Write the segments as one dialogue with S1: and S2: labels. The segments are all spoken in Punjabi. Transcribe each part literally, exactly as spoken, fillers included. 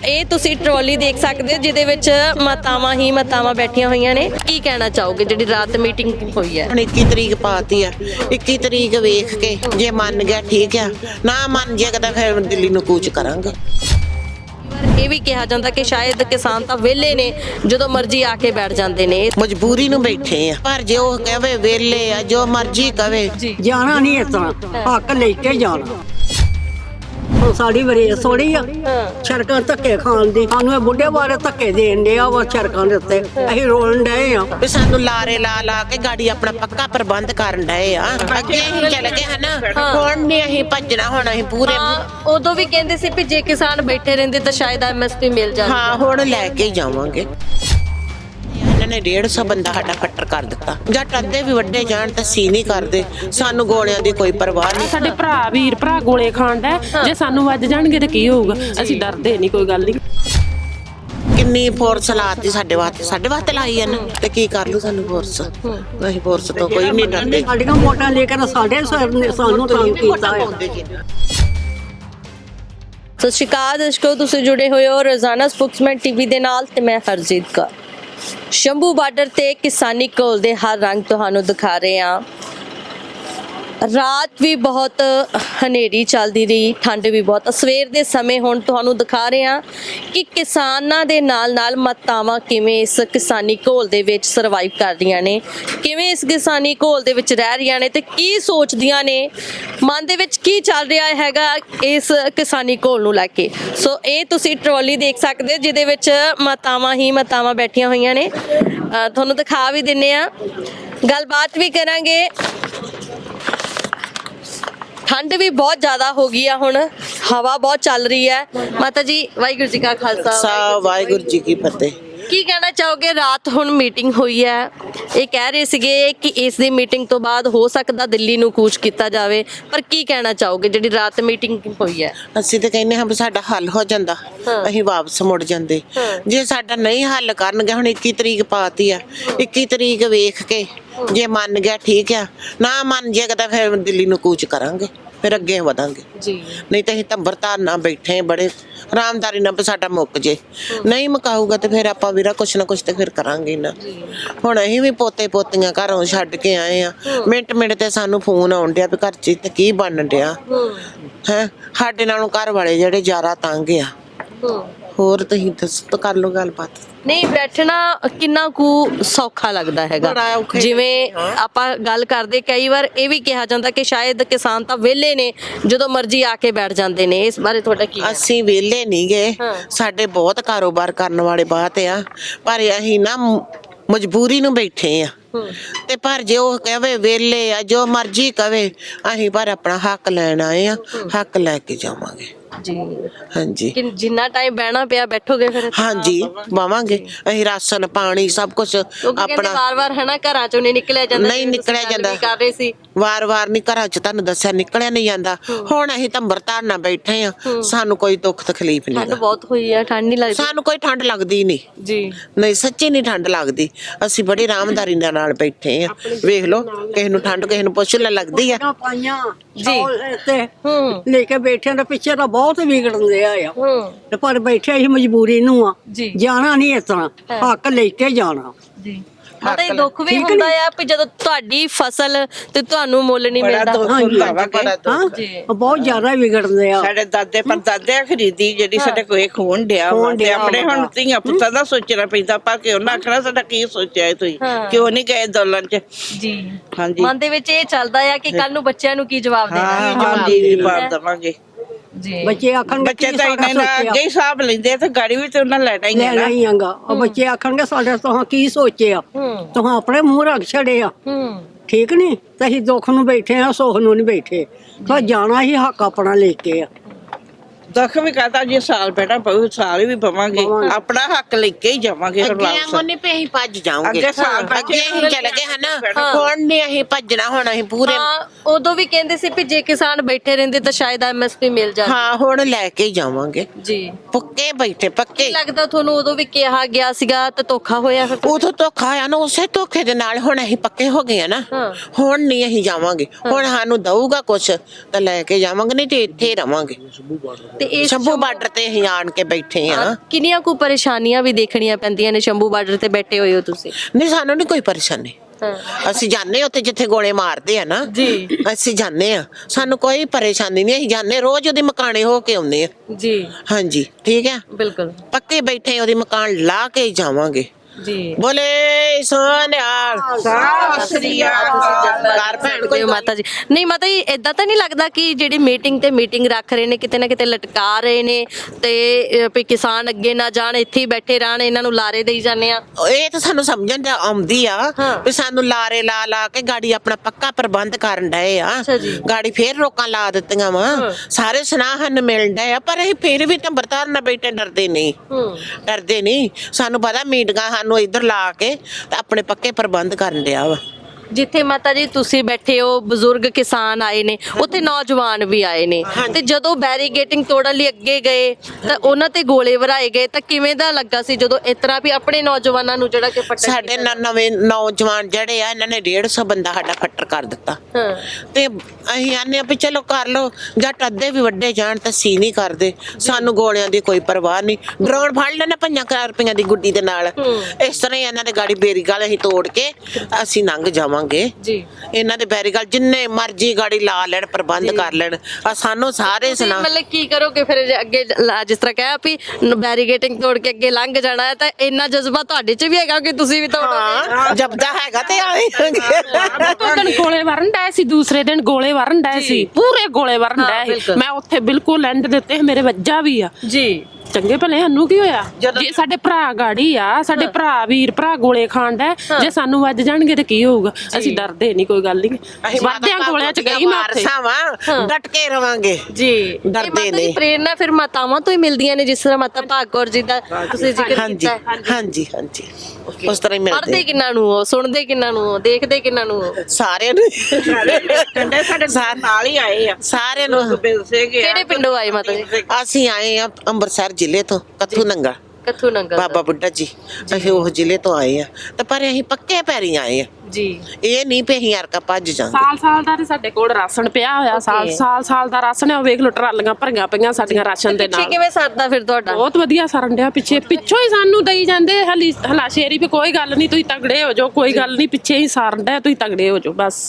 S1: ਇਹ ਤੁਸੀਂ ਟਰਾਲੀ ਦੇਖ ਸਕਦੇ ਹੋ ਜਿਹਦੇ ਵਿੱਚ ਮਾਤਾਵਾਂ ਹੀ ਮਾਤਾਵਾਂ ਬੈਠੀਆਂ ਹੋਈਆਂ ਨੇ। ਕੀ ਕਹਿਣਾ ਚਾਹੋਗੇ ਜਿਹੜੀ ਰਾਤ ਮੀਟਿੰਗ ਹੋਈ ਹੈ?
S2: ਹੁਣ ਇੱਕੀ ਤਰੀਕ ਪਾਤੀ ਆ, ਇੱਕੀ ਤਰੀਕ ਵੇਖ ਕੇ ਜੇ ਮੰਨ ਗਿਆ ਠੀਕ ਆ, ਨਾ ਮੰਨ ਜਾਏਗਾ ਫਿਰ ਦਿੱਲੀ ਨੂੰ ਕੂਚ ਕਰਾਂਗੇ।
S1: ਇਹ ਵੀ ਕਿਹਾ ਜਾਂਦਾ ਕਿ ਸ਼ਾਇਦ ਕਿਸਾਨ ਤਾਂ ਵਿਹਲੇ ਨੇ, ਜਦੋਂ ਮਰਜ਼ੀ ਆ ਕੇ ਬੈਠ ਜਾਂਦੇ ਨੇ।
S2: ਮਜਬੂਰੀ ਨੂੰ ਬੈਠੇ ਆ, ਪਰ ਜੇ ਉਹ ਕਹਵੇ ਵਿਹਲੇ ਆ, ਜੋ ਮਰਜ਼ੀ ਕਵੇ
S3: ਜਾਣਾ ਨਹੀਂ, ਇਸ ਤਰ੍ਹਾਂ ਹੱਕ ਲੈ ਕੇ ਜਾਣਾ। ਹੁਣ ਸਾਡੀ ਵਰੇਸ ਥੋੜੀ ਆ ਸੜਕਾਂ ਧੱਕੇ ਖਾਣ ਦੀ, ਸਾਨੂੰ ਇਹ ਬੁੱਢੇ ਬਾਰੇ ਧੱਕੇ ਦੇਣ ਡਿਆ ਵਾ ਸੜਕਾਂ ਦੇ ਉੱਤੇ, ਅਸੀਂ ਰੋਣ ਡਏ ਆ
S2: ਵੀ ਸਾਨੂੰ ਲਾਰੇ ਲਾ ਲਾ ਕੇ ਗਾੜੀ ਆਪਣਾ ਪੱਕਾ ਪ੍ਰਬੰਧ ਕਰਨ ਡਏ ਆ। ਅੱਗੇ ਅਸੀਂ ਚੱਲ ਗਏ ਹਨਾ, ਹੁਣ ਨਹੀਂ ਅਸੀਂ ਭੱਜਣਾ, ਹੁਣ ਅਸੀਂ ਪੂਰੇ।
S1: ਉਦੋਂ ਵੀ ਕਹਿੰਦੇ ਸੀ ਵੀ ਜੇ ਕਿਸਾਨ ਬੈਠੇ ਰਹਿੰਦੇ ਤਾਂ ਸ਼ਾਇਦ ਐਮਐਸਪੀ ਮਿਲ ਜਾਂਦੀ।
S2: ਹਾਂ ਹੁਣ ਲੈ ਕੇ ਹੀ ਜਾਵਾਂਗੇ। ਇਹਨਾਂ ਨੇ ਡੇਢ ਸੌ ਬੰਦਾ ਸਾਡਾ ਫੱਟਰ ਕਰ ਦਿੱਤਾ। ਜੱਟ ਅੱਧੇ ਵੀ ਵੱਡੇ ਜਾਣ ਤਾਂ ਸੀ ਨਹੀਂ ਕਰਦੇ, ਸਾਨੂੰ ਗੋਲਿਆਂ ਦੀ ਕੋਈ ਪਰਵਾਹ ਨਹੀਂ।
S4: ਸਾਡੇ ਭਰਾ ਵੀਰ ਭਰਾ ਗੋਲੇ ਖਾਣ ਦਾ, ਜੇ ਸਾਨੂੰ ਵੱਜ ਜਾਣਗੇ ਤਾਂ ਕੀ ਹੋਊਗਾ? ਅਸੀਂ ਡਰਦੇ ਨਹੀਂ, ਕੋਈ ਗੱਲ ਨਹੀਂ।
S2: ਕਿੰਨੀ ਫੋਰਸ ਲਾਤੀ ਸਾਡੇ ਵਾਸਤੇ, ਸਾਡੇ ਵਾਸਤੇ ਲਾਈ ਇਹਨਾਂ ਤੇ ਕੀ ਕਰ ਲੂ ਸਾਨੂੰ ਫੋਰਸ? ਅਸੀਂ ਫੋਰਸ ਤੋਂ ਕੋਈ ਨਹੀਂ ਡਰਦੇ।
S3: ਸਾਡੀਆਂ ਵੋਟਾਂ ਲੈ ਕੇ ਸਾਡੇ ਸਰ ਨੇ ਸਾਨੂੰ ਤੰਗ ਕੀਤਾ ਹੈ।
S1: ਸਤਿ ਸ਼੍ਰੀ ਅਕਾਲ ਦਰਸ਼ਕੋ, ਤੁਸੀਂ ਜੁੜੇ ਹੋਏ ਹੋ ਰੋਜ਼ਾਨਾ ਸਪੋਕਸਮੈਨ ਟੀਵੀ ਦੇ ਨਾਲ ਤੇ ਮੈਂ ਹਰਜੀਤ ਕੌਰ। ਸ਼ੰਭੂ ਬਾਰਡਰ ਤੇ ਕਿਸਾਨੀ ਘੋਲ ਦੇ ਹਰ ਰੰਗ ਤੁਹਾਨੂੰ ਦਿਖਾ ਰਹੇ ਹਾਂ। ਰਾਤ ਵੀ ਬਹੁਤ ਹਨੇਰੀ ਚੱਲਦੀ ਰਹੀ, ਠੰਡ ਵੀ ਬਹੁਤ। ਸਵੇਰ ਦੇ ਸਮੇਂ ਹੁਣ ਤੁਹਾਨੂੰ ਦਿਖਾ ਰਹੇ ਹਾਂ ਕਿ ਕਿਸਾਨਾਂ ਦੇ ਨਾਲ ਨਾਲ ਮਾਤਾਵਾਂ ਕਿਵੇਂ ਇਸ ਕਿਸਾਨੀ ਘੋਲ ਦੇ ਵਿੱਚ ਸਰਵਾਈਵ ਕਰ ਰਹੀਆਂ ਨੇ, ਕਿਵੇਂ ਇਸ ਕਿਸਾਨੀ ਘੋਲ ਦੇ ਵਿੱਚ ਰਹਿ ਰਹੀਆਂ ਨੇ ਤੇ ਕੀ ਸੋਚਦੀਆਂ ਨੇ, ਮਨ ਦੇ ਵਿੱਚ ਕੀ ਚੱਲ ਰਿਹਾ ਹੈਗਾ ਇਸ ਕਿਸਾਨੀ ਘੋਲ ਨੂੰ ਲੈ ਕੇ। ਸੋ ਇਹ ਤੁਸੀਂ ਟਰਾਲੀ ਦੇਖ ਸਕਦੇ ਹੋ ਜਿਹਦੇ ਵਿੱਚ ਮਾਤਾਵਾਂ ਹੀ ਮਾਤਾਵਾਂ ਬੈਠੀਆਂ ਹੋਈਆਂ ਨੇ। ਅਹ ਤੁਹਾਨੂੰ ਦਿਖਾ ਵੀ ਦਿੰਨੇ ਆ, ਗੱਲਬਾਤ ਵੀ ਕਰਾਂਗੇ। ਠੰਡ ਵੀ ਬਹੁਤ ਜ਼ਿਆਦਾ ਹੋ ਗਈ ਆ, ਹੁਣ ਹਵਾ ਬਹੁਤ ਚੱਲ ਰਹੀ ਹੈ। ਮਾਤਾ ਜੀ ਵਾਹਿਗੁਰੂ ਜੀ ਕਾ ਖਾਲਸਾ
S2: ਸਾ ਵਾਹਿਗੁਰੂ ਜੀ ਕੀ ਫਤਿਹ।
S1: ਕੀ ਕਹਿਣਾ ਚਾਹੋਗੇ? ਰਾਤ ਹੁਣ ਮੀਟਿੰਗ ਹੋਈ ਹੈ, ਇਹ ਕਹਿ ਰਹੇ ਸੀਗੇ ਕਿ ਇਸ ਦੀ ਮੀਟਿੰਗ ਤੋਂ ਬਾਅਦ ਹੋ ਸਕਦਾ ਦਿੱਲੀ ਨੂੰ ਕੂਚ ਕੀਤਾ ਜਾਵੇ, ਪਰ ਕੀ ਕਹਿਣਾ ਚਾਹੋਗੇ ਜਿਹੜੀ ਰਾਤ ਮੀਟਿੰਗ ਹੋਈ ਹੈ?
S2: ਅਸੀਂ ਤੇ ਕਹਿੰਦੇ ਹਾਂ ਵੀ ਸਾਡਾ ਹੱਲ ਹੋ ਜਾਂਦਾ, ਅਸੀਂ ਵਾਪਸ ਮੁੜ ਜਾਂਦੇ। ਜੇ ਸਾਡਾ ਨਹੀਂ ਹੱਲ ਕਰਨਗੇ, ਹੁਣ ਇੱਕੀ ਤਰੀਕ ਪਾਤੀ ਆ, ਇੱਕੀ ਤਰੀਕ ਵੇਖ ਕੇ ਜੇ ਮੰਨ ਗਿਆ ਠੀਕ ਆ, ਨਾ ਮੰਨ ਜਾਏਗਾ ਤਾਂ ਫਿਰ ਦਿੱਲੀ ਨੂੰ ਕੂਚ ਕਰਾਂਗੇ, ਫਿਰ ਅੱਗੇ ਵਧਾਂਗੇ
S1: ਜੀ।
S2: ਨਹੀਂ ਤਾਂ ਅਸੀਂ ਤੰਬਰ ਧਾਰਨਾ ਬੈਠੇ ਬੜੇ ਆਰਾਮਦਾਰੀ ਨਾਲ, ਸਾਡਾ ਮੁੱਕ ਜੇ। ਨਹੀਂ ਮੁਕਾਊਗਾ ਤੇ ਫਿਰ ਆਪਾਂ ਵੀਰਾ ਕੁਛ ਨਾ ਕੁਛ ਤੇ ਫਿਰ ਕਰਾਂਗੇ ਨਾ। ਹੁਣ ਅਸੀਂ ਵੀ ਪੋਤੇ ਪੋਤੀਆਂ ਘਰੋਂ ਛੱਡ ਕੇ ਆਏ ਆ, ਮਿੰਟ ਮਿੰਟ ਤੇ ਸਾਨੂੰ ਫੋਨ ਆਉਣ ਡਿਆ ਵੀ ਘਰ ਚ ਤੇ ਕੀ ਬਣਨ ਡਿਆ ਹੈ। ਸਾਡੇ ਨਾਲੋਂ ਘਰ ਵਾਲੇ ਜਿਹੜੇ ਜ਼ਿਆਦਾ ਤੰਗ ਆ। ਹੋਰ ਤੁਸੀਂ ਦੱਸੋ, ਕਰ ਲਓ ਗੱਲਬਾਤ।
S1: ਨਹੀਂ ਬੈਠਣਾ ਕਿੰਨਾ ਕੁ ਸੌਖਾ ਲੱਗਦਾ ਹੈਗਾ? ਜਿਵੇਂ ਆਪਾਂ ਗੱਲ ਕਰਦੇ, ਕਈ ਵਾਰ ਇਹ ਵੀ ਕਿਹਾ ਜਾਂਦਾ ਕਿ ਸ਼ਾਇਦ ਕਿਸਾਨ ਤਾਂ ਵਿਹਲੇ ਨੇ, ਜਦੋਂ ਮਰਜ਼ੀ ਆ ਕੇ ਬੈਠ ਜਾਂਦੇ ਨੇ। ਇਸ ਬਾਰੇ ਤੁਹਾਡਾ ਕੀ?
S2: ਅਸੀਂ ਵਿਹਲੇ ਨਹੀਂ ਗਏ, ਸਾਡੇ ਬਹੁਤ ਕਾਰੋਬਾਰ ਕਰਨ ਵਾਲੇ ਬਾਤ ਆ, ਪਰ ਅਸੀਂ ਨਾ ਮਜਬੂਰੀ ਨੂੰ ਬੈਠੇ ਆ। ਤੇ ਪਰ ਜੇ ਉਹ ਕਹਵੇ ਵਿਹਲੇ ਆ, ਜੋ ਮਰਜ਼ੀ ਕਵੇ, ਅਸੀਂ ਪਰ ਆਪਣਾ ਹੱਕ ਲੈਣ ਆਏ ਆ, ਹੱਕ ਲੈ ਕੇ ਜਾਵਾਂਗੇ
S1: ਜੀ।
S2: ਹਾਂਜੀ,
S1: ਕਿ ਜਿੰਨਾ ਟਾਈਮ ਬਹਿਣਾ ਪਿਆ ਬੈਠੋਗੇ ਫਿਰ?
S2: ਹਾਂਜੀ ਬਾਵਾਂਗੇ ਅਸੀਂ, ਰਾਸ਼ਨ ਪਾਣੀ ਸਭ ਕੁਝ
S1: ਆਪਣਾ। ਵਾਰ-ਵਾਰ ਹਨਾ ਘਰਾਂ ਚੋਂ ਨਹੀਂ ਨਿਕਲਿਆ ਜਾਂਦਾ,
S2: ਨਹੀਂ ਨਿਕਲਿਆ ਜਾਂਦਾ,
S1: ਕਰ ਰਹੇ ਸੀ
S2: ਵਾਰ-ਵਾਰ ਨਹੀਂ ਘਰਾਂ ਚ, ਤੁਹਾਨੂੰ ਦੱਸਿਆ ਨਿਕਲਿਆ ਨਹੀਂ ਜਾਂਦਾ। ਹੁਣ ਅਸੀਂ ਤੰਬਰ ਧਾਰਨਾ ਬੈਠੇ ਆ, ਸਾਨੂੰ ਕੋਈ ਦੁੱਖ ਤਕਲੀਫ ਨਹੀਂ।
S1: ਠੰਡ ਬਹੁਤ ਹੋਈ ਆ, ਠੰਡ ਨਹੀਂ ਲੱਗਦੀ
S2: ਸਾਨੂੰ ਕੋਈ ਠੰਡ ਲੱਗਦੀ ਨਹੀਂ
S1: ਜੀ।
S2: ਨਹੀਂ ਸੱਚੀ ਨਹੀਂ ਠੰਡ ਲੱਗਦੀ, ਅਸੀਂ ਬੜੀ ਆਰਾਮਦਾਰੀ ਦੇ ਨਾਲ ਬੈਠੇ ਆ। ਵੇਖ ਲਓ, ਕਿਸੇ ਨੂੰ ਠੰਡ ਕਿਸੇ ਨੂੰ ਪੁੱਛ ਲੈ ਲੱਗਦੀ ਆ
S3: ਜੀ। ਤੇ ਲੈ ਕੇ ਬੈਠੇ ਤਾਂ ਪਿੱਛੇ ਤਾਂ ਬਹੁਤ ਵਿਗੜਦੇ ਆ, ਤੇ ਪਰ ਬੈਠੇ ਅਸੀਂ ਮਜਬੂਰੀ ਨੂੰ ਆ, ਜਾਣਾ ਨਹੀਂ, ਇਸ ਤਰ੍ਹਾਂ ਹੱਕ ਲੈ ਕੇ ਜਾਣਾ
S1: ਜੀ। ਮਤਾ ਇਹ ਦੁੱਖ ਵੀ ਹੁੰਦਾ ਆ ਵੀ ਜਦੋਂ ਤੁਹਾਡੀ ਫਸਲ ਤੇ ਤੁਹਾਨੂੰ ਮੁੱਲ ਨਹੀਂ ਮਿਲਦਾ।
S3: ਬਹੁਤ ਜ਼ਿਆਦਾ ਵਿਗੜਦੇ ਆ।
S5: ਸਾਡੇ ਦਾਦੇ ਪੜਦਾਦੇ ਖਰੀਦੀ ਜਿਹੜੀ ਸਾਡੇ ਕੋਲ ਖੋਣ ਡਿਆ ਤੇ ਆਪਣੇ ਹੁਣ ਧੀਆਂ ਪੁੱਤਾਂ ਦਾ ਸੋਚਣਾ ਪੈਂਦਾ। ਆਪਾਂ ਕਿਉਂ ਨਾ ਆਖਣਾ ਸਾਡਾ ਕੀ ਸੋਚਿਆ ਤੁਸੀਂ, ਕਿਉਂ ਨਹੀਂ ਗਏ ਅੰਦੋਲਨ ਚ?
S1: ਜੀ
S5: ਹਾਂਜੀ,
S1: ਮਨ ਦੇ ਵਿੱਚ ਇਹ ਚੱਲਦਾ ਆ ਕਿ ਕੱਲ ਨੂੰ ਬੱਚਿਆਂ ਨੂੰ ਕੀ ਜਵਾਬ ਦੇਣਾ।
S5: ਹਾਂਜੀ ਜਵਾਬ ਦੇਵਾਂਗੇ
S1: ਜੀ।
S3: ਬੱਚੇ ਆਖਣਗੇ
S5: ਬੱਚੇ ਤਾਂ ਇਹਨਾਂ ਨਾਲ ਅੱਗੇ ਹੀ ਹਿਸਾਬ ਲੈਂਦੇ ਤੇ ਗਾੜੀ ਵੀ ਤੇ ਉਹਨਾਂ ਲੈਣਾ ਹੀ
S3: ਲੈਣਾ ਹੀ ਆਂਗਾ। ਉਹ ਬੱਚੇ ਆਖਣਗੇ ਸਾਡੇ ਤੋਂ ਕੀ ਸੋਚਿਆ, ਤੂੰ ਆਪਣੇ ਮੂੰਹ ਰੱਖ ਛੜੇ ਆ, ਠੀਕ ਨੀ? ਤੇ ਅਸੀਂ ਦੁੱਖ ਨੂੰ ਬੈਠੇ ਆ, ਸੁੱਖ ਨੂੰ ਨਹੀਂ ਬੈਠੇ। ਤਾਂ ਜਾਣਾ ਹੀ ਹੱਕ ਆਪਣਾ ਲੈ ਕੇ ਆ।
S5: ਦੁੱਖ ਵੀ ਕਹਤਾ ਜੇ ਸਾਲ ਬੈਠਾ ਬਹੁਤ ਸਾਲ ਵੀ ਪਵਾਂਗੇ, ਆਪਣਾ ਹੱਕ ਲੈ ਕੇ ਹੀ ਜਾਵਾਂਗੇ।
S2: ਅੱਗੇ ਨਹੀਂ ਪਈ ਅਸੀਂ ਭੱਜ ਜਾਵਾਂਗੇ, ਅੱਗੇ ਅਸੀਂ ਚੱਲ ਗਏ ਹਨਾ, ਹੁਣ ਨਹੀਂ ਅਸੀਂ ਭੱਜਣਾ, ਹੁਣ ਅਸੀਂ ਪੂਰੇ।
S1: ਉਦੋਂ ਵੀ ਕਹਿੰਦੇ ਸੀ ਵੀ ਜੇ ਕਿਸਾਨ ਬੈਠੇ ਰਹਿੰਦੇ ਤਾਂ ਸ਼ਾਇਦ ਐਮਐਸਪੀ ਮਿਲ ਜਾਂਦੀ।
S2: ਹਾਂ ਹੁਣ ਲੈ ਕੇ ਹੀ ਜਾਵਾਂਗੇ ਜੀ, ਪੱਕੇ ਬੈਠੇ ਪੱਕੇ।
S1: ਲੱਗਦਾ ਤੁਹਾਨੂੰ ਉਦੋਂ ਵੀ ਕਿਹਾ ਗਿਆ ਸੀਗਾ ਤੇ ਧੋਖਾ ਹੋਇਆ? ਫਿਰ
S2: ਉਦੋਂ ਧੋਖਾ ਆਇਆ ਨਾ, ਉਸੇ ਧੋਖੇ ਦੇ ਨਾਲ ਹੁਣ ਅਸੀਂ ਪੱਕੇ ਹੋ ਗਏ ਆ ਨਾ। ਹੁਣ ਨਹੀਂ ਅਸੀਂ ਜਾਵਾਂਗੇ, ਹੁਣ ਸਾਨੂੰ ਦਊਗਾ ਕੁਛ ਤਾਂ ਲੈ ਕੇ ਜਾਵਾਂਗੇ, ਨਹੀਂ ਤੇ ਇੱਥੇ ਹੀ ਰਵਾਂਗੇ।
S1: ਤੇ ਇਹ
S2: ਸ਼ੰਭੂ ਬਾਰਡਰ ਤੇ ਅਸੀਂ ਆਣ ਕੇ ਬੈਠੇ ਆ।
S1: ਕਿੰਨੀਆਂ ਕੁ ਪਰੇਸ਼ਾਨੀਆਂ ਵੀ ਦੇਖਣੀਆਂ ਪੈਂਦੀਆਂ ਨੇ ਸ਼ੰਭੂ ਬਾਰਡਰ ਤੇ ਬੈਠੇ ਹੋਏ ਹੋ ਤੁਸੀਂ?
S2: ਨਹੀਂ ਸਾਨੂੰ ਨਹੀਂ ਕੋਈ ਪਰੇਸ਼ਾਨੀ,
S1: ਹਾਂ
S2: ਅਸੀਂ ਜਾਂਦੇ ਉੱਥੇ ਜਿੱਥੇ ਗੋਲੇ ਮਾਰਦੇ ਆ ਨਾ
S1: ਜੀ
S2: ਅਸੀਂ ਜਾਂਦੇ ਆ, ਸਾਨੂੰ ਕੋਈ ਪਰੇਸ਼ਾਨੀ ਨਹੀਂ, ਅਸੀਂ ਜਾਂਦੇ ਰੋਜ਼ ਉਹਦੀ ਮਕਾਨੇ ਹੋ ਕੇ ਆਉਂਦੇ ਆ।
S1: ਜੀ
S2: ਹਾਂਜੀ ਠੀਕ ਹੈ,
S1: ਬਿਲਕੁਲ
S2: ਪੱਕੇ ਬੈਠੇ ਉਹਦੀ ਮਕਾਨ ਲਾ ਕੇ ਹੀ ਜਾਵਾਂਗੇ।
S1: ਜੀ
S2: ਬੋਲੇ ਸੋਨਿਆਲ
S5: ਸਤਿ ਸ੍ਰੀ ਅਕਾਲ।
S2: ਘਰ ਭੈਣ ਕੋਈ
S1: ਮਾਤਾ ਜੀ ਨਹੀਂ ਮਾਤਾ ਜੀ ਇਦਾਂ ਤਾਂ ਨਹੀਂ ਲੱਗਦਾ ਕਿ ਜਿਹੜੀ ਮੀਟਿੰਗ ਤੇ ਮੀਟਿੰਗ ਰੱਖ ਰਹੇ ਨੇ ਕਿਤੇ ਨਾ ਕਿਤੇ ਲਟਕਾ ਰਹੇ ਨੇ ਤੇ ਅਹ, ਵੀ ਕਿਸਾਨ ਅੱਗੇ ਨਾ ਜਾਣ ਇੱਥੇ ਹੀ ਬੈਠੇ ਰਹਿਣ, ਇਹਨਾਂ ਨੂੰ ਲਾਰੇ ਦੇਈ ਜਾਂਦੇ ਆ?
S2: ਇਹ ਤਾਂ ਸਾਨੂੰ ਸਮਝਣ ਦਾ ਆਉਂਦੀ ਆ ਵੀ ਸਾਨੂੰ ਲਾਰੇ ਲਾ ਲਾ ਕੇ ਗਾੜੀ ਆਪਣਾ ਪੱਕਾ ਪ੍ਰਬੰਧ ਕਰਨ ਡਏ ਆ।
S1: ਅੱਛਾ ਜੀ।
S2: ਗਾੜੀ ਫੇਰ ਰੋਕਾਂ ਲਾ ਦਿੱਤੀਆਂ ਵਾ, ਸਾਰੇ ਸੁਨਾਹ ਹਨ ਮਿਲਣ ਡਏ ਆ, ਪਰ ਅਸੀਂ ਫੇਰ ਵੀ ਨੰਬਰਦਾਰ ਨਾਲ ਬੈਠੇ ਡਰਦੇ ਨਹੀਂ,
S1: ਹੂੰ
S2: ਡਰਦੇ ਨਹੀਂ। ਸਾਨੂੰ ਪਤਾ ਮੀਟਿੰਗਾਂ ਸਾਨੂੰ ਇੱਧਰ ਲਾ ਕੇ ਤੇ ਆਪਣੇ ਪੱਕੇ ਪ੍ਰਬੰਧ ਕਰਨ ਡਿਆ ਵਾ।
S1: ਜਿੱਥੇ ਮਾਤਾ ਜੀ ਤੁਸੀਂ ਬੈਠੇ ਹੋ ਬਜ਼ੁਰਗ ਕਿਸਾਨ ਆਏ ਨੇ, ਉੱਥੇ ਨੌਜਵਾਨ ਵੀ ਆਏ ਨੇ, ਤੇ ਜਦੋਂ ਬੈਰੀਗੇਟਿੰਗ ਤੋੜਨ ਲਈ ਅੱਗੇ ਗਏ ਤਾਂ ਉਹਨਾਂ ਤੇ ਗੋਲੇ ਵਰਾਏ ਗਏ, ਤਾਂ ਕਿਵੇਂ ਦਾ ਲੱਗਾ ਸੀ ਜਦੋਂ ਇਸ ਤਰ੍ਹਾਂ ਵੀ ਆਪਣੇ ਨੌਜਵਾਨਾਂ ਨੂੰ ਜਿਹੜਾ ਕਿ ਪੱਟਣ
S2: ਸਾਡੇ ਨ- ਨਵੇਂ ਨੌਜਵਾਨ ਜਿਹੜੇ ਆ ਇਹਨਾਂ ਨੇ ਡੇਢ ਸੌ ਬੰਦਾ ਸਾਡਾ ਫੱਟਰ ਕਰ ਦਿੱਤਾ।
S1: ਹਾਂ
S2: ਤੇ ਅਸੀਂ ਆਨੇ ਆ ਵੀ ਚਲੋ ਕਰ ਲੋ, ਜੱਟ ਅੱਧੇ ਵੀ ਵੱਡੇ ਜਾਣ ਤਾਂ ਸੀ ਨਹੀਂ ਕਰਦੇ, ਸਾਨੂੰ ਗੋਲਿਆਂ ਦੀ ਕੋਈ ਪਰਵਾਹ ਨਹੀਂ। ਡਰੋਨ ਫੜ ਲੈਣਾ ਪੰਜਾਂ ਕੁ ਰੁਪਈਆਂ ਦੀ ਗੁੱਡੀ ਦੇ ਨਾਲ, ਇਸ ਤਰ੍ਹਾਂ ਹੀ ਇਹਨਾਂ ਦੇ ਗਾੜੀ ਬੇਰੀਗਲ ਅਸੀਂ ਤੋੜ ਕੇ ਅਸੀਂ ਲੰਘ ਜਾਵਾਂਗੇ
S1: ਜੀ।
S2: ਇਹਨਾਂ ਦੇ ਬੈਰੀਗਲ ਜਿੰਨੇ ਮਰਜੀ ਗਾੜੀ ਲਾ ਲੈਣ, ਪ੍ਰਬੰਧ ਕਰ ਲੈਣ, ਆ ਸਾਨੂੰ ਸਾਰੇ
S1: ਤੁਸੀਂ
S2: ਸੁਣਾ।
S1: ਮਤਲਬ ਕੀ ਕਰੋਗੇ ਫਿਰ ਜੇ ਅੱਗੇ ਲ- ਜਿਸ ਤਰ੍ਹਾਂ ਕਿਹਾ ਵੀ ਬੈਰੀਗੇਟਿੰਗ ਤੋੜ ਕੇ ਅੱਗੇ ਲੰਘ ਜਾਣਾ ਹੈ, ਤਾਂ ਇੰਨਾ ਜਜ਼ਬਾ ਤੁਹਾਡੇ 'ਚ ਵੀ ਹੈਗਾ ਕਿ ਤੁਸੀਂ ਵੀ ਤੋੜੋਗੇ?
S2: ਹਾਂ ਜਬਦਾ ਹੈਗਾ ਤੇ ਆਏ
S4: ਉਹ ਦਿਨ ਗੋਲੇ ਵਰਨ ਡਏ ਸੀ, ਦੂਸਰੇ ਦਿਨ ਗੋਲੇ ਵਰਨ ਡਏ ਸੀ, ਪੂਰੇ ਗੋਲੇ ਵਰਨ
S1: ਹਾਂ,
S4: ਡਏ ਸੀ।
S1: ਬਿਲਕੁਲ।
S4: ਮੈਂ ਉੱਥੇ ਬਿਲਕੁਲ ਐਂਡ ਦਿੱਤੇ, ਮੇਰੇ ਵੱਜਾ ਵੀ ਆ।
S1: ਜੀ
S4: ਚੰਗੇ ਭਲੇ ਸਾਨੂੰ ਕੀ ਹੋਇਆ? ਜੇ ਸਾਡੇ ਭਰਾ ਗਾੜੀ ਆ, ਸਾਡੇ ਭਰਾ ਵੀਰ ਭਰਾ ਗੋਲੇ ਖਾਣ ਡਏ, ਜੇ ਸਾਨੂੰ ਵੱਜ ਜਾਣਗੇ ਤੇ ਕੀ ਹੋਊਗਾ? ਅਸੀਂ ਡਰਦੇ ਨਹੀਂ, ਕੋਈ ਗੱਲ ਨਹੀਂ। ਵੱਧਿਆਂ ਗੋਲਿਆਂ ਚ ਗਈ ਮੈਂ ਉੱਥੇ।
S2: ਵਾਂ ਡਟ ਕੇ ਰਵਾਂਗੇ
S1: ਜੀ।
S2: ਡਰਦੇ
S1: ਇਹ ਮਾਤਾ ਜੀ
S2: ਨਹੀਂ।
S1: ਪ੍ਰੇਰਨਾ ਫਿਰ ਮਾਤਾਵਾਂ ਤੋਂ ਹੀ ਮਿਲਦੀਆਂ ਨੇ, ਜਿਸ ਤਰ੍ਹਾਂ ਮਾਤਾ ਭਾਗੌਰ ਜੀ ਦਾ ਤੁਸੀਂ ਜ਼ਿਕਰ
S2: ਹਾਂਜੀ
S1: ਕੀਤਾ ਹੈ।
S2: ਹਾਂਜੀ ਹਾਂਜੀ ਉਸ ਤਰ੍ਹਾਂ ਹੀ
S1: ਪੜ੍ਹਦੇ
S2: ਮਿਲਦੇ
S1: ਕਿੰਨਾਂ ਨੂੰ ਹੋ, ਸੁਣਦੇ ਕਿੰਨਾਂ ਨੂੰ ਹੋ, ਦੇਖਦੇ ਕਿੰਨਾਂ ਨੂੰ ਹੋ?
S2: ਸਾਰਿਆਂ ਨੂੰ
S5: ਕੰਡੇ ਸਾਡੇ ਨਾਲ ਹੀ ਆਏ ਆ,
S2: ਸਾਰਿਆਂ ਨੂੰ।
S5: ਬਿਲਸੇ ਗਏ
S1: ਕਿਹੜੇ ਪਿੰਡੋਂ ਆਏ ਮਾਤਾ ਜੀ?
S2: ਅਸੀਂ ਆਏ ਆ ਅੰਮ੍ਰਿਤਸਰ ਜ਼ਿਲ੍ਹੇ ਤੋਂ, ਕੱਥੂ ਨੰਗਲ,
S1: ਕੱਥੂ ਨੰਗਲ ਤੋਂ।
S2: ਬਾਬਾ ਬੁੱਢਾ ਜੀ, ਅਸੀਂ ਉਹ ਜ਼ਿਲ੍ਹੇ ਤੋਂ ਆਏ ਆ, ਤੇ ਪਰ ਅਸੀਂ ਪੱਕੇ ਪੈਰੀ ਆਏ ਆ,
S1: ਜੀ।
S2: ਇਹ ਨਹੀਂ ਪਈ ਅਸੀਂ ਅਰਕਾ ਭੱਜ ਜਾਂਦੇ।
S4: ਸਾਲ ਸਾਲ ਦਾ ਤੇ ਸਾਡੇ ਕੋਲ ਰਾਸ਼ਨ ਪਿਆ ਹੋਇਆ, ਸਾਲ ਸਾਲ ਸਾਲ ਦਾ ਰਾਸ਼ਨ ਹੈ। ਉਹ ਵੇਖ ਲੋ ਟਰਾਲੀਆਂ ਭਰੀਆਂ ਪਈਆਂ ਸਾਡੀਆਂ ਰਾਸ਼ਨ ਦੇ
S1: ਪਿੱਛੇ
S4: ਨਾਲ।
S1: ਕਿਵੇਂ ਸਰਦਾ ਫਿਰ ਤੁਹਾਡਾ?
S4: ਬਹੁਤ ਵਧੀਆ ਸਰਨ ਡਿਆ, ਪਿੱਛੇ ਪਿੱਛੋਂ ਹੀ ਸਾਨੂੰ ਦਈ ਜਾਂਦੇ ਹਲੀ ਹਲਾਸ਼ੇਰੀ ਵੀ ਕੋਈ ਗੱਲ ਨਹੀਂ, ਤੁਸੀਂ ਤਗੜੇ ਹੋ ਜਾਓ, ਕੋਈ ਗੱਲ ਨਹੀਂ, ਪਿੱਛੇ ਹੀ ਸਰਨ ਡਿਆ, ਤੁਸੀਂ ਤਗੜੇ ਹੋ ਜਾਓ, ਬਸ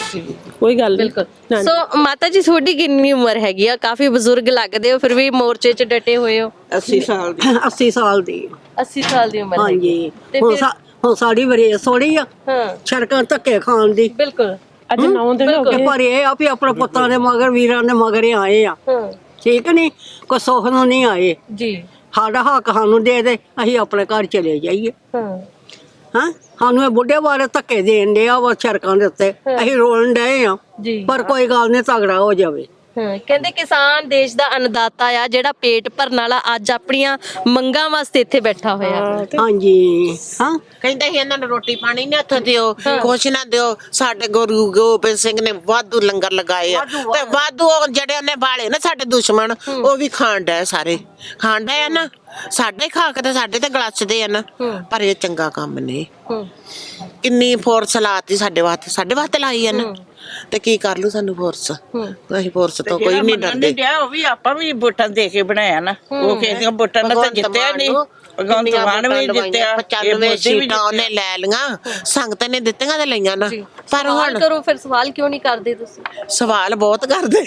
S4: ਕੋਈ ਗੱਲ ਨਹੀਂ।
S1: ਸੋ ਮਾਤਾ ਜੀ ਤੁਹਾਡੀ ਕਿੰਨੀ ਉਮਰ ਹੈਗੀ ਆ? ਕਾਫੀ ਬਜ਼ੁਰਗ ਲੱਗਦੇ ਹੋ, ਫਿਰ ਵੀ ਮੋਰਚੇ 'ਚ ਡਟੇ ਹੋਏ ਹੋ।
S5: ਅੱਸੀ ਸਾਲ ਦੀ
S3: ਅੱਸੀ ਸਾਲ ਦੀ।
S1: ਅੱਸੀ ਸਾਲ ਦੀ ਉਮਰ ਹੈਗੀ।
S3: ਹਾਂਜੀ
S1: ਤੇ
S3: ਹੁਣ
S1: ਫਿਰ
S3: ਸਾ- ਹੁਣ ਸਾਡੀ ਵਰੇਸ ਥੋੜੀ ਆ
S1: ਹਾਂ
S3: ਸੜਕਾਂ ਧੱਕੇ ਖਾਣ ਦੀ।
S1: ਬਿਲਕੁਲ।
S4: ਅੱਜ ਨੌ ਦਿਨ ਹੋ ਗਏ।
S3: ਪਰ ਇਹ ਆ ਵੀ ਆਪਣੇ ਪੁੱਤਾਂ ਦੇ ਮਗਰ ਵੀਰਾਂ ਦੇ ਮਗਰ ਹੀ ਆਏ ਆ,
S1: ਹਾਂ
S3: ਠੀਕ ਨਹੀਂ, ਕੋਈ ਸੁੱਖ ਨੂੰ ਨਹੀਂ ਆਏ।
S1: ਜੀ।
S3: ਸਾਡਾ ਹੱਕ ਸਾਨੂੰ ਦੇ ਦੇ, ਅਸੀਂ ਆਪਣੇ ਘਰ ਚਲੇ ਜਾਈਏ।
S1: ਹਾਂ
S3: ਹਾਂ ਸਾਨੂੰ ਇਹ ਬੁੱਢੇ ਬਾਰੇ ਧੱਕੇ ਦੇਣ ਡਿਆ ਵਾ ਸੜਕਾਂ ਦੇ ਉੱਤੇ, ਅਸੀਂ ਰੋਣ ਡਏ ਆ,
S1: ਜੀ।
S3: ਪਰ ਕੋਈ ਗੱਲ ਨਹੀਂ, ਤਗੜਾ ਹੋ ਜਾਵੇ।
S1: ਹਾਂ ਕਹਿੰਦੇ ਕਿਸਾਨ ਦੇਸ਼ ਦਾ ਅੰਨਦਾਤਾ ਆ, ਜਿਹੜਾ ਪੇਟ ਭਰਨ ਵਾਲਾ ਅੱਜ ਆਪਣੀਆਂ ਮੰਗਾਂ ਵਾਸਤੇ ਇੱਥੇ ਬੈਠਾ ਹੋਇਆ।
S3: ਹਾਂਜੀ ਹਾਂ
S2: ਕਹਿੰਦੇ ਸੀ ਇਹਨਾਂ ਨੂੰ ਰੋਟੀ ਪਾਣੀ ਨਹੀਂ ਹੱਥ ਦਿਓ, ਕੁਛ ਨਾ ਦਿਓ। ਸਾਡੇ ਗੁਰੂ ਗੋਬਿੰਦ ਸਿੰਘ ਨੇ ਵਾਧੂ ਲੰਗਰ ਲਗਾਏ ਆ, ਤੇ ਵਾਧੂ ਉਹ ਜਿਹੜੇ ਉਹਨੇ ਬਾਲੇ ਨਾ ਸਾਡੇ ਦੁਸ਼ਮਣ, ਉਹ ਵੀ ਖਾਣ ਡਏ, ਸਾਰੇ ਖਾਣ ਡਏ ਆ ਨਾ, ਸਾਡੇ ਖਾ ਕੇ ਤੇ ਸਾਡੇ ਤੇ ਗਲਾਸਦੇ ਆ ਨਾ, ਪਰ ਇਹ ਚੰਗਾ ਕੰਮ ਨਹੀਂ।
S1: ਹੂੰ
S2: ਕਿੰਨੀ ਫੋਰਸ ਲਾਤੀ ਸਾਡੇ ਵਾਸਤੇ, ਸਾਡੇ ਵਾਸਤੇ ਲਾਈ ਆ ਨਾ, ਤੇ ਕੀ ਕਰ ਲੂ ਸਾਨੂੰ ਫੋਰਸ? ਅਸੀਂ ਫੋਰਸ ਤੋਂ ਕੋਈ ਨਹੀਂ ਡਰਦੇ।
S5: ਡਿਆ ਉਹ ਵੀ ਆਪਾਂ ਵੀ ਵੋਟਾਂ ਦੇ ਕੇ ਬਣਾਇਆ ਨਾ, ਉਹ ਕਿਸੇ ਵੋਟਾਂ ਨਾਲ ਤਾਂ ਜਿੱਤਿਆ ਨਹੀਂ। ਭਗਵੰਤ ਮਾਨ ਵੀ ਜਿੱਤਿਆ,
S2: ਪਚਾਨਵੇਂ ਸੀਟਾਂ ਉਹਨੇ ਲੈ ਲੀਆਂ, ਸੰਗਤ ਨੇ ਦਿੱਤੀਆਂ ਤੇ ਲਈਆਂ ਨਾ। ਪਰ
S1: ਸਵਾਲ
S2: ਹੁਣ
S1: ਕਰੋ ਫਿਰ, ਸਵਾਲ ਕਿਉਂ ਨਹੀਂ ਕਰਦੇ ਤੁਸੀਂ?
S2: ਸਵਾਲ ਬਹੁਤ ਕਰਦੇ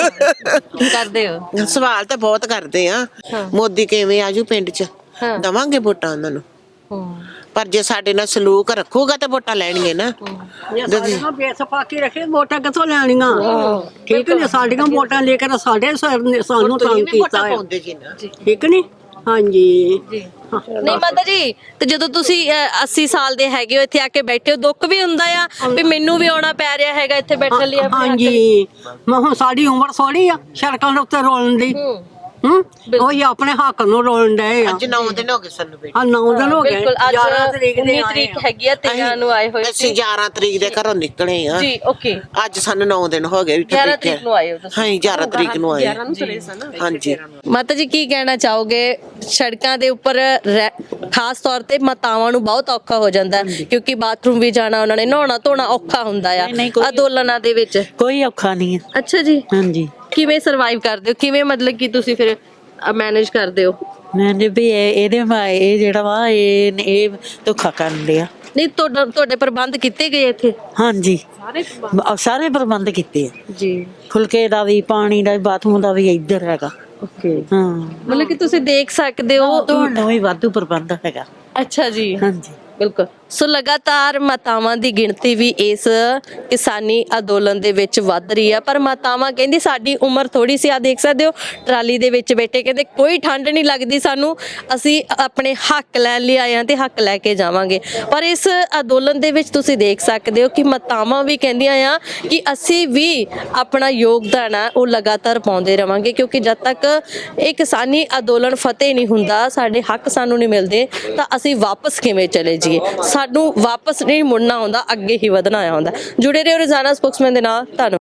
S1: ਕਰਦੇ ਹੋ।
S2: ਸਵਾਲ ਤਾਂ ਬਹੁਤ ਕਰਦੇ ਆ। ਮੋਦੀ ਕਿਵੇਂ ਆਜੂ ਪਿੰਡ 'ਚ, ਦਵਾਂਗੇ ਵੋਟਾਂ ਉਹਨਾਂ ਨੂੰ,
S1: ਹੂੰ
S2: ਪਰ ਜੇ ਸਾਡੇ ਨਾਲ ਸਲੂਕ ਰੱਖੂਗਾ ਤਾਂ ਵੋਟਾਂ ਲੈਣਗੇ ਨਾ।
S3: ਜੇ ਸਾਡੀਆਂ ਬੇਸਫਾਕੀ ਰੱਖੇ ਵੋਟਾਂ ਕਿੱਥੋਂ ਲੈਣੀਆਂ? ਠੀਕ ਨੇ, ਸਾਡੀਆਂ ਵੋਟਾਂ ਲੈ ਕੇ ਤਾਂ ਸਾਡੇ ਸਰ ਨੇ ਸਾਨੂੰ ਤੰਗ ਕੀਤਾ ਹੈ, ਠੀਕ ਨਹੀਂ? ਹਾਂਜੀ
S1: ਜੀ। ਨਹੀਂ ਮਾਤਾ ਜੀ, ਤੇ ਜਦੋਂ ਤੁਸੀਂ ਅਹ, ਅੱਸੀ ਸਾਲ ਦੇ ਹੈਗੇ ਹੋ, ਇੱਥੇ ਆ ਕੇ ਬੈਠੇ ਹੋ, ਦੁੱਖ ਵੀ ਹੁੰਦਾ ਆ ਵੀ ਮੈਨੂੰ ਵੀ ਆਉਣਾ ਪੈ ਰਿਹਾ ਹੈਗਾ ਇੱਥੇ ਬੈਠਣ ਲਈ? ਆਪਣੇ ਹੱਕ ਲਈ।
S3: ਹਾਂਜੀ ਮੈਂ ਹੁਣ ਸਾਡੀ ਉਮਰ ਥੋੜੀ ਆ ਸੜਕਾਂ ਦੇ ਉੱਤੇ ਰੋਲਣ ਦੀ।
S1: ਹੂੰ
S3: ਹੂੰ ਉਹੀ ਆਪਣੇ ਹੱਕ ਨੂੰ ਰੋਲਣ ਡਏ ਆ।
S2: ਅੱਜ ਨੌ ਦਿਨ ਹੋ ਗਏ ਸਾਨੂੰ ਬੈਠੇ।
S3: ਹਾਂ ਨੌ ਦਿਨ ਹੋ ਗਏ।
S1: ਬਿਲਕੁਲ। ਅੱਜ
S3: ਗਿਆਰਾਂ ਤਰੀਕ ਦੇ
S1: ਉੱਨੀ
S3: ਆਏ
S1: ਤਰੀਕ
S3: ਆ।
S1: ਹੈਗੀ ਆ, ਤੇਰਾਂ ਨੂੰ ਆਏ ਹੋਏ
S2: ਅਸੀਂ ਗਿਆਰਾਂ ਤਰੀਕ ਦੇ ਘਰੋਂ ਨਿਕਲੇ ਆ।
S1: ਜੀ। ਓਕੇ।
S2: ਅੱਜ ਸਾਨੂੰ ਨੌ ਦਿਨ ਹੋ ਗਏ।
S1: ਗਿਆਰਾਂ ਤਰੀਕ ਨੂੰ ਆਏ ਹੋ ਤੁਸੀਂ?
S2: ਹਾਂ ਗਿਆਰਾਂ ਤਰੀਕ ਨੂੰ ਆਏ। ਹਾਂਜੀ
S1: ਮਾਤਾ ਜੀ ਕੀ ਕਹਿਣਾ ਚਾਹੋਗੇ? ਸੜਕਾਂ ਦੇ ਉੱਪਰ ਰਹਿ- ਖਾਸ ਤੌਰ ਤੇ ਮਾਤਾਵਾਂ ਨੂੰ ਬਹੁਤ ਔਖਾ ਹੋ ਜਾਂਦਾ ਹੈ, ਕਿਉਂਕਿ ਬਾਥਰੂਮ ਵੀ ਜਾਣਾ, ਉਹਨਾਂ ਨੇ ਨਹਾਉਣਾ ਧੋਣਾ ਔਖਾ ਹੁੰਦਾ ਆ ਅੰਦੋਲਨਾਂ ਦੇ ਵਿੱਚ।
S6: ਕੋਈ ਔਖਾ ਨਹੀਂ ਹੈ।
S1: ਅੱਛਾ ਜੀ।
S6: ਹਾਂਜੀ
S1: ਕਿਵੇਂ ਸਰਵਾਈਵ ਕਰਦੇ ਹੋ, ਕਿਵੇਂ ਮਤਲਬ ਕਿ ਤੁਸੀਂ ਫਿਰ ਮੈਨੇਜ ਕਰਦੇ ਹੋ?
S6: ਮੈਂ ਜੀ ਵੀ ਇਹ- ਇਹਦੇ ਮਾ ਇਹ ਜਿਹੜਾ ਵਾ ਇਹ ਇਹ ਧੋਖਾ ਕਰਨ ਲਿਆ।
S1: ਨਹੀਂ ਤੁਹਾਡਾ ਤੁਹਾਡੇ ਪ੍ਰਬੰਧ ਕੀਤੇ ਗਏ ਇੱਥੇ?
S6: ਹਾਂਜੀ ਬ- ਸਾਰੇ ਪ੍ਰਬੰਧ ਕੀਤੇ ਆ,
S1: ਜੀ
S6: ਫੁਲਕੇ ਦਾ ਵੀ, ਪਾਣੀ ਦਾ ਵੀ, ਬਾਥਰੂਮ ਦਾ ਵੀ ਇੱਧਰ ਹੈਗਾ।
S1: ਓਕੇ,
S6: ਹਾਂ,
S1: ਮਤਲਬ ਕਿ ਤੁਸੀਂ ਦੇਖ ਸਕਦੇ ਹੋ।
S6: ਧੋਣ ਦਾ ਵੀ ਵਾਧੂ ਪ੍ਰਬੰਧ ਹੈਗਾ।
S1: ਅੱਛਾ ਜੀ,
S6: ਹਾਂਜੀ
S1: ਬਿਲਕੁਲ। ਸੋ ਲਗਾਤਾਰ ਮਾਤਾਵਾਂ ਦੀ ਗਿਣਤੀ ਵੀ ਇਸ ਕਿਸਾਨੀ ਅੰਦੋਲਨ ਦੇ ਵਿੱਚ ਵੱਧ ਰਹੀ ਹੈ, ਪਰ ਮਾਤਾਵਾਂ ਕਹਿੰਦੀ ਸਾਡੀ ਉਮਰ ਥੋੜੀ ਸੀ, ਆ ਦੇਖ ਸਕਦੇ ਹੋ ਟਰਾਲੀ ਦੇ ਵਿੱਚ ਬੈਠੇ, ਕਹਿੰਦੇ ਕੋਈ ਠੰਡ ਨਹੀਂ ਲੱਗਦੀ ਸਾਨੂੰ, ਅਸੀਂ ਆਪਣੇ ਹੱਕ ਲੈਣ ਲਈ ਆਏ ਹਾਂ ਤੇ ਹੱਕ ਲੈ ਕੇ ਜਾਵਾਂਗੇ। ਪਰ ਇਸ ਅੰਦੋਲਨ ਦੇ ਵਿੱਚ ਤੁਸੀਂ ਦੇਖ ਸਕਦੇ ਹੋ ਕਿ ਮਾਤਾਵਾਂ ਵੀ ਕਹਿੰਦੀਆਂ ਆ ਕਿ ਅਸੀਂ ਵੀ ਆਪਣਾ ਯੋਗਦਾਨ ਆ ਉਹ ਲਗਾਤਾਰ ਪਾਉਂਦੇ ਰਵਾਂਗੇ, ਕਿਉਂਕਿ ਜਦ ਤੱਕ ਇਹ ਕਿਸਾਨੀ ਅੰਦੋਲਨ ਫਤਿਹ ਨਹੀਂ ਹੁੰਦਾ, ਸਾਡੇ ਹੱਕ ਸਾਨੂੰ ਨਹੀਂ ਮਿਲਦੇ, ਤਾਂ ਅਸੀਂ ਵਾਪਸ ਕਿਵੇਂ ਚਲੇ ਜਾਈਏ? ਸਾਨੂੰ ਵਾਪਸ ਨਹੀਂ ਮੁੜਨਾ ਹੁੰਦਾ, ਅੱਗੇ ਹੀ ਵਧਣਾ ਆਉਂਦਾ। ਜੁੜੇ ਰਹੋ ਰੋਜ਼ਾਨਾ ਸਪੋਕਸਮੈਨ ਦੇ ਨਾਲ। ਧੰਨਵਾਦ।